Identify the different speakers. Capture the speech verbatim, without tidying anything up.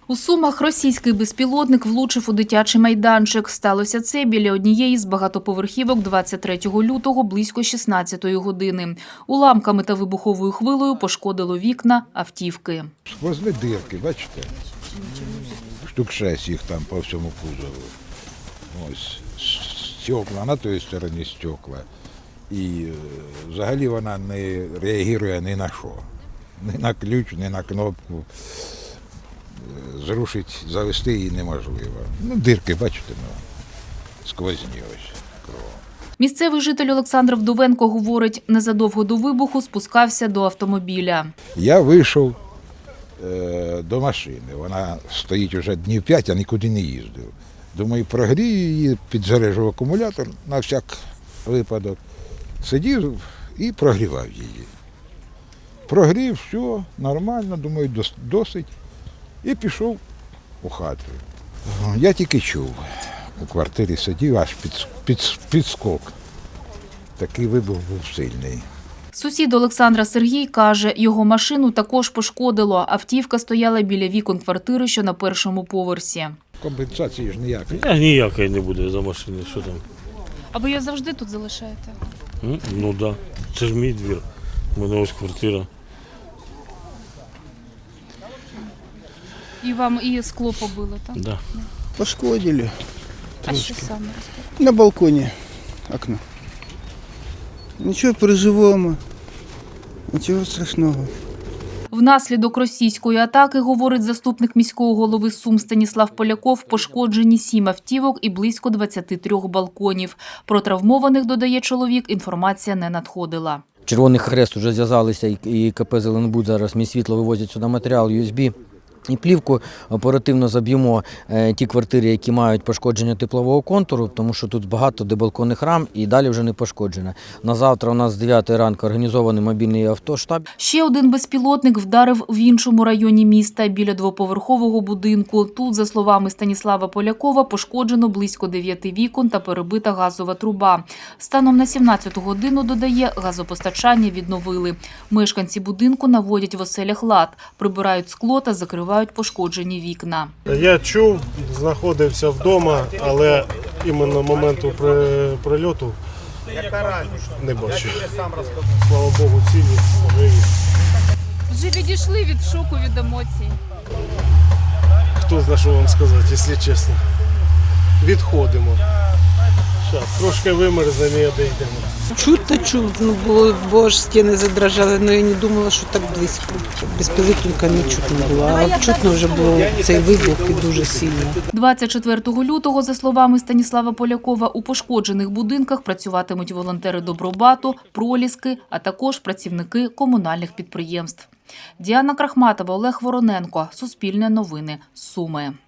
Speaker 1: У Сумах російський безпілотник влучив у дитячий майданчик. Сталося це біля однієї з багатоповерхівок двадцять третього лютого близько шістнадцятої години. Уламками та вибуховою хвилею пошкодило вікна автівки.
Speaker 2: Сквозні дирки, бачите? Штук шесть їх там по всьому кузову. Ось стекла, на тій стороні стекла. І взагалі вона не реагує ні на що. Ні на ключ, ні на кнопку. Зрушити, завести її неможливо. Ну, дирки, бачите, ну, сквозні ось кров.
Speaker 1: Місцевий житель Олександр Вдовенко говорить, незадовго до вибуху спускався до автомобіля.
Speaker 2: Я вийшов е, до машини. Вона стоїть вже днів п'ять, я нікуди не їздив. Думаю, прогрію її, підзаряджу акумулятор на всяк випадок. Сидів і прогрівав її. Прогрів, все, нормально, думаю, досить. І пішов у хату. Я тільки чув, у квартирі сидів, аж під, під, підскок. Такий вибух був сильний.
Speaker 1: Сусід Олександра Сергій каже, його машину також пошкодило. Автівка стояла біля вікон квартири, що на першому поверсі.
Speaker 2: Компенсації ж ніякої.
Speaker 3: Я ніякої не буде за машини, що там.
Speaker 1: А ви її завжди тут залишаєте?
Speaker 3: Ну так, да. Це ж мій двір, у мене ось квартира.
Speaker 1: І вам і скло побило, так?
Speaker 3: Да.
Speaker 4: Пошкодили.
Speaker 1: А що саме?
Speaker 4: На балконі окно. Нічого, переживемо. Нічого страшного.
Speaker 1: Внаслідок російської атаки, говорить заступник міського голови Сум Станіслав Поляков, пошкоджені сім автівок і близько двадцяти трьох балконів. Про травмованих, додає чоловік, інформація не надходила.
Speaker 5: Червоний Хрест вже зв'язалися і КП «Зеленбуд» зараз мій світло вивозять сюди матеріал ю ес бі. І плівку оперативно заб'ємо ті квартири, які мають пошкодження теплового контуру, тому що тут багато дебалконних рам і далі вже не пошкоджено. На завтра у нас з дев'ятої ранку організований мобільний автоштаб.
Speaker 1: Ще один безпілотник вдарив в іншому районі міста, біля двоповерхового будинку. Тут, за словами Станіслава Полякова, пошкоджено близько дев'яти вікон та перебита газова труба. Станом на сімнадцяту годину, додає, газопостачання відновили. Мешканці будинку наводять в оселях лад, прибирають скло та закривають пошкоджені вікна.
Speaker 6: Я чув, знаходився вдома, але іменно моменту прильоту не бачив. Слава Богу, цілі, живі.
Speaker 1: Вже відійшли від шоку, від емоцій.
Speaker 6: Хто знає, що вам сказати, якщо чесно. Відходимо. Зараз трошки вимерзнемо і одійдемо.
Speaker 7: Чутно чув, ну, було, бо ж стіни задрожали, але я не думала, що так близько. Безпілотника не чутно було, а чутно вже було цей вибух і дуже сильно.
Speaker 1: двадцять четвертого лютого, за словами Станіслава Полякова, у пошкоджених будинках працюватимуть волонтери Добробату, Проліски, а також працівники комунальних підприємств. Діана Крахматова, Олег Вороненко. Суспільне новини. Суми.